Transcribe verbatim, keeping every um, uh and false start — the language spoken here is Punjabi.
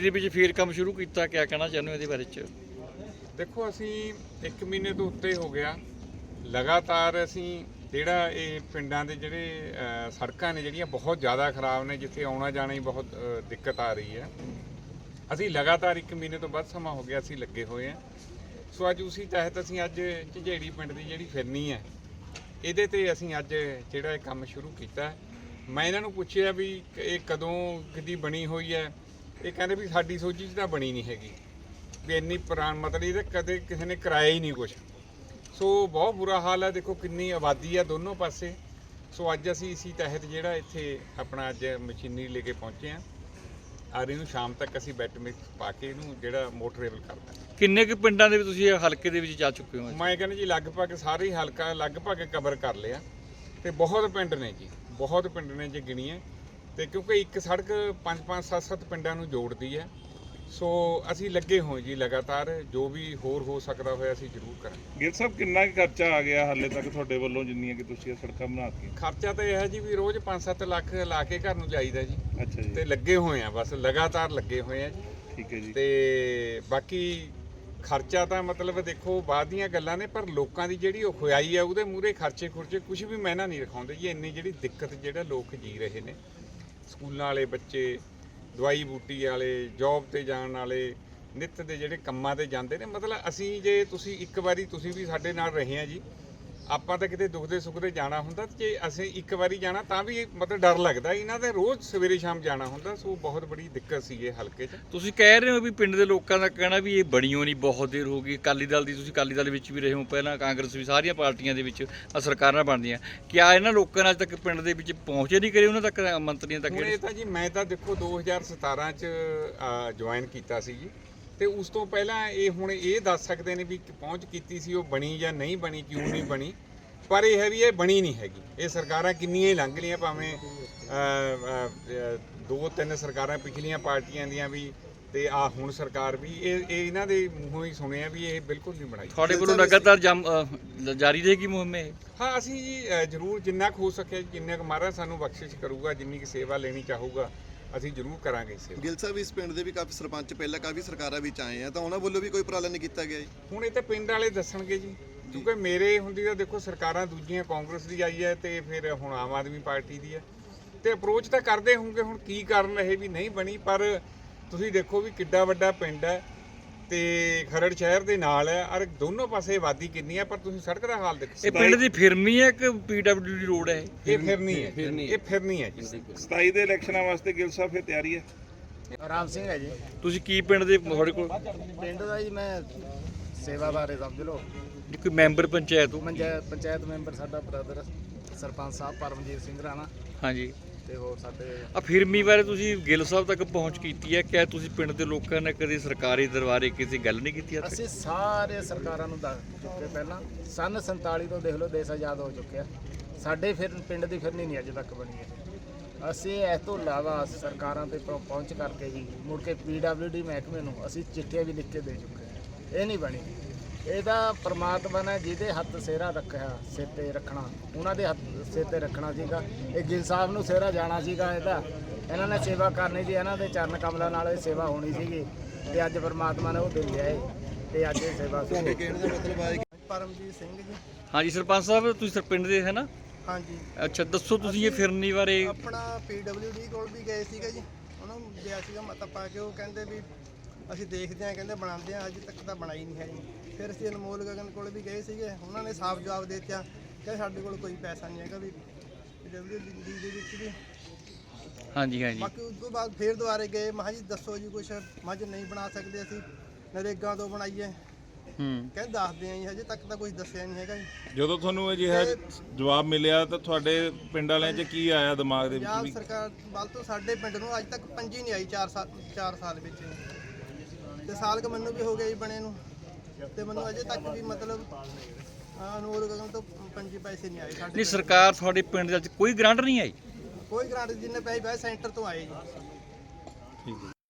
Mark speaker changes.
Speaker 1: ਦੇ ਵਿੱਚ ਫੇਰ ਕੰਮ ਸ਼ੁਰੂ ਕੀਤਾ, ਕਿਆ ਕਹਿਣਾ ਚਾਹੁੰਦੇ ਹੋ ਇਹਦੇ ਬਾਰੇ 'ਚ?
Speaker 2: ਦੇਖੋ ਅਸੀਂ ਇੱਕ ਮਹੀਨੇ ਤੋਂ ਉੱਤੇ ਹੋ ਗਿਆ ਲਗਾਤਾਰ ਅਸੀਂ ਜਿਹੜਾ ਇਹ ਪਿੰਡਾਂ ਦੇ ਜਿਹੜੇ ਸੜਕਾਂ ਨੇ ਜਿਹੜੀਆਂ ਬਹੁਤ ਜ਼ਿਆਦਾ ਖਰਾਬ ਨੇ, ਜਿੱਥੇ ਆਉਣਾ ਜਾਣਾ ਹੀ ਬਹੁਤ ਦਿੱਕਤ ਆ ਰਹੀ ਹੈ। ਅਸੀਂ ਲਗਾਤਾਰ ਇੱਕ ਮਹੀਨੇ ਤੋਂ ਵੱਧ ਸਮਾਂ ਹੋ ਗਿਆ ਅਸੀਂ ਲੱਗੇ ਹੋਏ ਹਾਂ। ਸੋ ਅੱਜ ਉਸੇ ਤਹਿਤ ਅਸੀਂ ਅੱਜ ਝੰਜੇੜੀ ਪਿੰਡ ਦੀ ਜਿਹੜੀ ਫਿਰਨੀ ਹੈ ਇਹਦੇ ਤੇ ਅਸੀਂ ਅੱਜ ਜਿਹੜਾ ਇਹ ਕੰਮ ਸ਼ੁਰੂ ਕੀਤਾ। ਮੈਂ ਇਹਨਾਂ ਨੂੰ ਪੁੱਛਿਆ ਵੀ ਇਹ ਕਦੋਂ ਕਿਦੀ ਬਣੀ ਹੋਈ ਹੈ, ਇਹ ਕਹਿੰਦੇ ਵੀ ਸਾਡੀ ਸੋਚੀ 'ਚ ਤਾਂ ਬਣੀ ਨਹੀਂ ਹੈਗੀ, ਵੀ ਇੰਨੀ ਪੁਰਾਣ ਮਤਲਬ ਇਹਦਾ ਕਦੇ ਕਿਸੇ ਨੇ ਕਰਾਇਆ ਹੀ ਨਹੀਂ ਕੁਛ। ਸੋ ਬਹੁਤ ਬੁਰਾ ਹਾਲ ਹੈ, ਦੇਖੋ ਕਿੰਨੀ ਆਬਾਦੀ ਹੈ ਦੋਨੋਂ ਪਾਸੇ। ਸੋ ਅੱਜ ਅਸੀਂ ਇਸੇ ਤਹਿਤ ਜਿਹੜਾ ਇੱਥੇ ਆਪਣਾ ਅੱਜ ਮਸ਼ੀਨਰੀ ਲੈ ਕੇ ਪਹੁੰਚੇ ਹਾਂ ਔਰ ਇਹਨੂੰ ਸ਼ਾਮ ਤੱਕ ਅਸੀਂ ਬੈਟ ਮਿਕਸ ਪਾ ਕੇ ਇਹਨੂੰ ਜਿਹੜਾ ਮੋਟਰੇਬਲ ਕਰਦਾ।
Speaker 1: ਕਿੰਨੇ ਕੁ ਪਿੰਡਾਂ ਦੇ ਵਿੱਚ ਤੁਸੀਂ ਇਹ ਹਲਕੇ ਦੇ ਵਿੱਚ ਜਾ ਚੁੱਕੇ ਹੋ?
Speaker 2: ਮੈਂ ਕਹਿੰਦਾ ਜੀ ਲਗਭਗ ਸਾਰੇ ਹੀ ਹਲਕਾ ਲਗਭਗ ਕਵਰ ਕਰ ਲਿਆ ਤੇ ਬਹੁਤ ਪਿੰਡ ਨੇ ਜੀ, ਬਹੁਤ ਪਿੰਡ ਨੇ ਜੇ ਗਿਣੀਏ ਤੇ, ਕਿਉਂਕਿ ਇੱਕ ਸੜਕ ਪੰਜ ਪੰਜ ਸੱਤ ਸੱਤ ਪਿੰਡਾਂ ਨੂੰ ਜੋੜਦੀ ਹੈ। ਸੋ ਅਸੀਂ ਲੱਗੇ ਹੋਏ ਜੀ ਲਗਾਤਾਰ, ਜੋ ਵੀ ਹੋਰ ਹੋ ਸਕਦਾ ਹੋਇਆ ਅਸੀਂ ਜ਼ਰੂਰ ਕਰਾਂਗੇ।
Speaker 3: ਗਿੱਲ ਸਾਹਿਬ ਕਿੰਨਾ ਕੁ ਖਰਚਾ ਆ ਗਿਆ ਹਾਲੇ ਤੱਕ ਤੁਹਾਡੇ ਵੱਲੋਂ, ਜਿੰਨੀਆਂ ਕਿ ਤੁਸੀਂ ਇਹ ਸੜਕਾਂ ਬਣਾਤੀਆਂ?
Speaker 2: ਖਰਚਾ ਤਾਂ ਇਹ ਹੈ ਜੀ ਵੀ ਰੋਜ਼ ਪੰਜ ਸੱਤ ਲੱਖ ਲਾ ਕੇ ਘਰ ਨੂੰ ਜਾਈਦਾ ਜੀ।
Speaker 3: ਅੱਛਾ ਜੀ।
Speaker 2: ਤੇ ਲੱਗੇ ਹੋਏ ਆ, ਬਸ ਲਗਾਤਾਰ ਲੱਗੇ ਹੋਏ ਆ ਜੀ।
Speaker 3: ਠੀਕ ਹੈ ਜੀ।
Speaker 2: ਤੇ ਬਾਕੀ ਖਰਚਾ ਤਾਂ ਮਤਲਬ ਦੇਖੋ ਬਾਅਦ ਦੀਆਂ ਗੱਲਾਂ ਨੇ, ਪਰ ਲੋਕਾਂ ਦੀ ਜਿਹੜੀ ਉਹ ਖੁਆਈ ਆ ਉਹਦੇ ਮੂਹਰੇ ਖਰਚੇ ਖੁਰਚੇ ਕੁਝ ਵੀ ਮਹਿਨਾ ਨਹੀਂ ਰਖਾਉਂਦੇ ਜੀ। ਇੰਨੀ ਜਿਹੜੀ ਦਿੱਕਤ ਜਿਹੜਾ ਲੋਕ ਜੀ ਰਹੇ ਨੇ, ਸਕੂਲਾਂ ਵਾਲੇ ਬੱਚੇ, ਦਵਾਈ ਬੂਟੀ ਵਾਲੇ, ਜੌਬ ਤੇ ਜਾਣ ਵਾਲੇ, ਨਿੱਤ ਦੇ ਜਿਹੜੇ ਕੰਮਾਂ ਤੇ ਜਾਂਦੇ ਨੇ। ਮਤਲਬ ਅਸੀਂ ਜੇ ਤੁਸੀਂ ਇੱਕ ਵਾਰੀ ਤੁਸੀਂ ਵੀ ਸਾਡੇ ਨਾਲ ਰਹੇ ਆ ਜੀ, ਆਪਾਂ ਤਾਂ ਕਿਤੇ ਦੁੱਖ ਦੇ ਸੁੱਖ ਦੇ ਜਾਣਾ ਹੁੰਦਾ, ਜੇ ਅਸੀਂ ਇੱਕ ਵਾਰੀ ਜਾਣਾ ਤਾਂ ਵੀ ਮਤਲਬ ਡਰ ਲੱਗਦਾ। ਇਹਨਾਂ ਦੇ ਰੋਜ਼ ਸਵੇਰੇ ਸ਼ਾਮ ਜਾਣਾ ਹੁੰਦਾ। ਸੋ ਬਹੁਤ ਬੜੀ ਦਿੱਕਤ ਸੀ ਇਹ ਹਲਕੇ 'ਚ।
Speaker 1: ਤੁਸੀਂ ਕਹਿ ਰਹੇ ਹੋ ਵੀ ਪਿੰਡ ਦੇ ਲੋਕਾਂ ਦਾ ਕਹਿਣਾ ਵੀ ਇਹ ਬਣੀ ਹੋਈ ਨਹੀਂ, ਬਹੁਤ ਦੇਰ ਹੋ ਗਈ। ਅਕਾਲੀ ਦਲ ਦੀ, ਤੁਸੀਂ ਅਕਾਲੀ ਦਲ ਵਿੱਚ ਵੀ ਰਹੇ ਹੋ ਪਹਿਲਾਂ, ਕਾਂਗਰਸ ਵੀ, ਸਾਰੀਆਂ ਪਾਰਟੀਆਂ ਦੇ ਵਿੱਚ ਸਰਕਾਰਾਂ ਬਣਦੀਆਂ। ਕਿਆ ਇਹਨਾਂ ਲੋਕਾਂ ਨੇ ਅੱਜ ਤੱਕ ਪਿੰਡ ਦੇ ਵਿੱਚ ਪਹੁੰਚੇ ਨਹੀਂ ਕਰੇ ਉਹਨਾਂ ਤੱਕ, ਮੰਤਰੀਆਂ ਤੱਕ?
Speaker 2: ਹੁਣ ਇਹ ਤਾਂ ਜੀ ਮੈਂ ਤਾਂ ਦੇਖੋ ਦੋ ਹਜ਼ਾਰ ਸਤਾਰਾਂ 'ਚ ਜੁਆਇਨ ਕੀਤਾ ਸੀ ਜੀ, ਤੇ ਉਸ ਤੋਂ ਪਹਿਲਾਂ ਇਹ ਹੁਣ ਇਹ ਦੱਸ ਸਕਦੇ ਨੇ ਵੀ ਪਹੁੰਚ ਕੀਤੀ ਸੀ, ਉਹ ਬਣੀ ਜਾਂ ਨਹੀਂ ਬਣੀ, ਕਿਉਂ ਨਹੀਂ ਬਣੀ। ਪਰ ਇਹ ਹੈ ਵੀ ਇਹ ਬਣੀ ਨਹੀਂ ਹੈਗੀ। ਇਹ ਸਰਕਾਰਾਂ ਕਿੰਨੀਆਂ ਹੀ ਲੰਘ ਲਈਆਂ, ਭਾਵੇਂ ਦੋ ਤਿੰਨ ਸਰਕਾਰਾਂ ਪਿਛਲੀਆਂ ਪਾਰਟੀਆਂ ਦੀਆਂ ਵੀ, ਤੇ ਆ ਹੁਣ ਸਰਕਾਰ ਵੀ, ਇਹ ਇਹ ਇਹਨਾਂ ਦੇ ਮੂੰਹੋਂ ਹੀ ਸੁਣਿਆ ਵੀ ਇਹ ਬਿਲਕੁਲ ਨਹੀਂ ਬਣਾਈ।
Speaker 1: ਤੁਹਾਡੇ ਵੱਲੋਂ ਲਗਾਤਾਰ ਜਾਰੀ ਰਹੇਗੀ ਮੁਹਿੰਮ ਇਹ?
Speaker 2: ਹਾਂ, ਅਸੀਂ ਜੀ ਜ਼ਰੂਰ ਜਿੰਨਾ ਕੁ ਹੋ ਸਕਿਆ, ਜਿੰਨੇ ਕੁ ਮਹਾਰਾਜ ਸਾਨੂੰ ਬਖਸ਼ਿਸ਼ ਕਰੂਗਾ, ਜਿੰਨੀ ਕੁ ਸੇਵਾ ਲੈਣੀ ਚਾਹੂਗਾ ਅਸੀਂ ਜ਼ਰੂਰ ਕਰਾਂਗੇ ਸੇਵਾ।
Speaker 4: ਗਿੱਲ ਸਾਹਿਬ, ਇਸ ਪਿੰਡ ਦੇ ਵੀ ਕਾਫੀ ਸਰਪੰਚ ਪਹਿਲਾਂ ਕਾਫੀ ਸਰਕਾਰਾਂ ਵਿੱਚ ਆਏ ਆ, ਤਾਂ ਉਹਨਾਂ ਵੱਲੋਂ ਵੀ ਕੋਈ ਉਪਰਾਲਾ ਨਹੀਂ ਕੀਤਾ ਗਿਆ ਜੀ?
Speaker 2: ਹੁਣ ਇਹ ਤਾਂ ਪਿੰਡ ਵਾਲੇ ਦੱਸਣਗੇ ਜੀ, ਕਿਉਂਕਿ ਮੇਰੇ ਹੁੰਦੀ ਤਾਂ ਦੇਖੋ ਸਰਕਾਰਾਂ ਦੂਜੀਆਂ ਕਾਂਗਰਸ ਦੀ ਆਈ ਹੈ ਤੇ ਫਿਰ ਹੁਣ ਆਮ ਆਦਮੀ ਪਾਰਟੀ ਦੀ ਹੈ, ਤੇ ਅਪਰੋਚ ਤਾਂ ਕਰਦੇ ਹੋਣਗੇ। ਹੁਣ ਕੀ ਕਾਰਨ ਰਹੇ ਵੀ ਨਹੀਂ ਬਣੀ, ਪਰ ਤੁਸੀਂ ਦੇਖੋ ਵੀ ਕਿੱਡਾ ਵੱਡਾ ਪਿੰਡ ਹੈ ਤੇ ਖਰੜ ਸ਼ਹਿਰ ਦੇ ਨਾਲ ਹੈ, ਔਰ ਦੋਨੋਂ ਪਾਸੇ ਆਬਾਦੀ ਕਿੰਨੀ ਹੈ, ਪਰ ਤੁਸੀਂ ਸੜਕ ਦਾ ਹਾਲ ਦੇਖੋ।
Speaker 1: ਇਹ ਪਿੰਡ ਦੀ ਫਿਰਮੀ ਹੈ ਕਿ ਪੀਡਬਲਿਊ ਦੀ ਰੋਡ ਹੈ?
Speaker 2: ਇਹ ਫਿਰਨੀ ਹੈ, ਇਹ ਫਿਰਨੀ ਹੈ ਜੀ।
Speaker 3: ਸਤਾਈ ਦੇ ਇਲੈਕਸ਼ਨਾਂ ਵਾਸਤੇ ਗਿੱਲ ਸਾਹਿਬ ਫਿਰ ਤਿਆਰੀ ਹੈ?
Speaker 5: ਰਾਮ ਸਿੰਘ ਹੈ ਜੀ।
Speaker 1: ਤੁਸੀਂ ਕੀ ਪਿੰਡ ਦੇ, ਤੁਹਾਡੇ ਕੋਲ
Speaker 5: ਪਿੰਡ ਦਾ ਜੀ ਮੈਂ ਸੇਵਾ ਬਾਰੇ ਸਮਝ ਲਓ।
Speaker 1: ਕੋਈ ਮੈਂਬਰ ਪੰਚਾਇਤ ਹੋ?
Speaker 5: ਪੰਚਾਇਤ ਪੰਚਾਇਤ ਮੈਂਬਰ ਸਾਡਾ ਬ੍ਰਦਰ ਸਰਪੰਚ ਸਾਹਿਬ ਪਰਮਜੀਤ ਸਿੰਘ ਰਾਣਾ,
Speaker 1: ਹਾਂਜੀ।
Speaker 5: ਤੇ ਹੋਰ ਸਾਡੇ
Speaker 1: ਆ ਫਿਰਮੀ ਬਾਰੇ ਤੁਸੀਂ ਗਿੱਲ ਸਾਹਿਬ ਤੱਕ ਪਹੁੰਚ ਕੀਤੀ ਹੈ, ਕਿਆ ਤੁਸੀਂ ਪਿੰਡ ਦੇ ਲੋਕਾਂ ਨੇ ਕਦੇ ਸਰਕਾਰੀ ਦਰਬਾਰੇ ਕਿਸੇ ਗੱਲ ਨਹੀਂ ਕੀਤੀ?
Speaker 5: ਅਸੀਂ ਸਾਰੇ ਸਰਕਾਰਾਂ ਨੂੰ ਦੱਸ ਚੁੱਕੇ ਪਹਿਲਾਂ। ਸੰਨ ਸੰਤਾਲੀ ਤੋਂ ਦੇਖ ਲਓ ਦੇਸ਼ ਆਜ਼ਾਦ ਹੋ ਚੁੱਕਿਆ, ਸਾਡੇ ਫਿਰ ਪਿੰਡ ਦੀ ਫਿਰਨੀ ਨਹੀਂ ਅਜੇ ਤੱਕ ਬਣੀ ਹੈ। ਅਸੀਂ ਇਸ ਤੋਂ ਇਲਾਵਾ ਸਰਕਾਰਾਂ ਤੇ ਪਹੁੰ- ਪਹੁੰਚ ਕਰਕੇ ਜੀ ਮੁੜ ਕੇ ਪੀ ਡਬਲਿਊ ਡੀ ਮਹਿਕਮੇ ਨੂੰ ਅਸੀਂ ਚਿੱਠੀਆਂ ਵੀ ਲਿਖ ਕੇ ਦੇ ਚੁੱਕੇ ਹਾਂ। ਇਹ ਨਹੀਂ ਬਣੀ। ਇਹਦਾ ਪ੍ਰਮਾਤਮਾ ਨੇ ਜਿਹਦੇ ਹੱਥ ਸਿਹਰਾ ਰੱਖਿਆ, ਸਿਰ ਤੇ ਰੱਖਣਾ, ਉਹਨਾਂ ਦੇ ਹੱਥ ਸਿਰ ਤੇ ਰੱਖਣਾ ਸੀਗਾ। ਇਹ ਗਿੱਲ ਸਾਹਿਬ ਨੂੰ ਸਿਹਰਾ ਜਾਣਾ ਸੀਗਾ ਇਹਦਾ, ਇਹਨਾਂ ਨੇ ਸੇਵਾ ਕਰਨੀ ਸੀ, ਇਹਨਾਂ ਦੇ ਚਰਨ ਕਮਲਾਂ ਨਾਲ ਇਹ ਸੇਵਾ ਹੋਣੀ ਸੀਗੀ, ਤੇ ਅੱਜ ਪ੍ਰਮਾਤਮਾ ਨੇ ਉਹ ਦੇ ਲਿਆ ਏ, ਤੇ ਅੱਜ ਇਹ ਸੇਵਾ
Speaker 4: ਤੁਹਾਡੇ ਕਹਿਣ ਦਾ ਮਤਲਬ ਹੈ ਕਿ
Speaker 5: ਪਰਮਜੀਤ ਸਿੰਘ ਜੀ।
Speaker 1: ਹਾਂਜੀ ਸਰਪੰਚ ਸਾਹਿਬ, ਤੁਸੀਂ ਪਿੰਡ ਦੇ ਹੈ ਨਾ?
Speaker 5: ਹਾਂਜੀ।
Speaker 1: ਅੱਛਾ, ਦੱਸੋ ਤੁਸੀਂ ਇਹ ਫਿਰਨੀ ਬਾਰੇ।
Speaker 6: ਆਪਣਾ ਪੀ ਡਬਲਿਊ ਡੀ ਕੋਲ ਵੀ ਗਏ ਸੀਗਾ ਜੀ, ਉਹਨਾਂ ਨੂੰ ਗਿਆ ਸੀਗਾ ਮਤਾ ਪਾ ਕੇ, ਉਹ ਕਹਿੰਦੇ ਵੀ ਅਸੀਂ ਦੇਖਦੇ ਹਾਂ, ਕਹਿੰਦੇ ਬਣਾਉਂਦੇ ਹਾਂ, ਅਜੇ ਤੱਕ ਤਾਂ ਬਣਾਈ ਨਹੀਂ ਹੈ ਜੀ। ਫਿਰ ਅਸੀਂ ਅਨਮੋਲ ਗਗਨ ਕੋਲ ਵੀ ਗਏ ਸੀਗੇ, ਉਹਨਾਂ ਨੇ ਸਾਫ਼ ਜਵਾਬ ਦੇ ਦਿੱਤਾ ਕਿ ਸਾਡੇ ਕੋਲ ਕੋਈ ਪੈਸਾ ਨਹੀਂ ਹੈਗਾ ਵੀ ਪੀ ਡਬਲਿਊ ਡੀ ਦੇ ਵਿੱਚ ਵੀ।
Speaker 1: ਹਾਂਜੀ ਹਾਂਜੀ।
Speaker 6: ਬਾਕੀ ਉਸ ਤੋਂ ਬਾਅਦ ਫਿਰ ਦੁਬਾਰੇ ਗਏ, ਮੈਂ ਕਿਹਾ ਜੀ ਦੱਸੋ ਜੀ ਕੁਛ, ਮੈਂ ਕਿਹਾ ਨਹੀਂ ਬਣਾ ਸਕਦੇ ਅਸੀਂ, ਨਰੇਗਾ ਤੋਂ ਬਣਾਈਏ।
Speaker 1: ਹੂੰ,
Speaker 6: ਕਹਿੰਦੇ ਦੱਸਦੇ ਆ ਜੀ, ਹਜੇ ਤੱਕ ਤਾਂ ਕੁਝ ਦੱਸਿਆ ਨਹੀਂ ਹੈਗਾ ਜੀ।
Speaker 3: ਜਦੋਂ ਤੁਹਾਨੂੰ ਅਜਿਹਾ ਜਵਾਬ ਮਿਲਿਆ ਤਾਂ ਤੁਹਾਡੇ ਪਿੰਡ ਵਾਲਿਆਂ 'ਚ ਕੀ ਆਇਆ ਦਿਮਾਗ ਦੇ ਵਿੱਚ?
Speaker 6: ਪੰਜਾਬ
Speaker 3: ਵੀ
Speaker 6: ਸਰਕਾਰ ਵੱਲ ਤੋਂ ਸਾਡੇ ਪਿੰਡ ਨੂੰ ਅੱਜ ਤੱਕ ਪੰਜੀ ਨਹੀਂ ਆਈ, ਚਾਰ ਸਾਲ ਚਾਰ ਸਾਲ ਵਿੱਚ, ਤੇ ਸਾਲ ਕ ਮੈਨੂੰ ਵੀ ਹੋ ਗਿਆ ਜੀ ਬਣੇ ਨੂੰ, ਤੇ ਮੈਨੂੰ ਅਜੇ ਤੱਕ ਵੀ ਮਤਲਬ ਅਨਮੋਲ ਗਗਨ ਤੋਂ ਪੰਜੀ ਪੈਸੇ ਨਹੀਂ ਆਏ ਸਾਡੇ।
Speaker 1: ਨਹੀਂ, ਸਰਕਾਰ ਤੁਹਾਡੇ ਪਿੰਡ ਦੇ ਵਿੱਚ ਕੋਈ ਗ੍ਰਾਂਟ ਨਹੀਂ ਆਈ?
Speaker 6: ਕੋਈ ਗ੍ਰਾਂਟ ਜਿੰਨੇ ਪੈਸੇ ਪਏ ਸੈਂਟਰ ਤੋਂ ਆਏ ਜੀ।
Speaker 3: ਠੀਕ ਹੈ।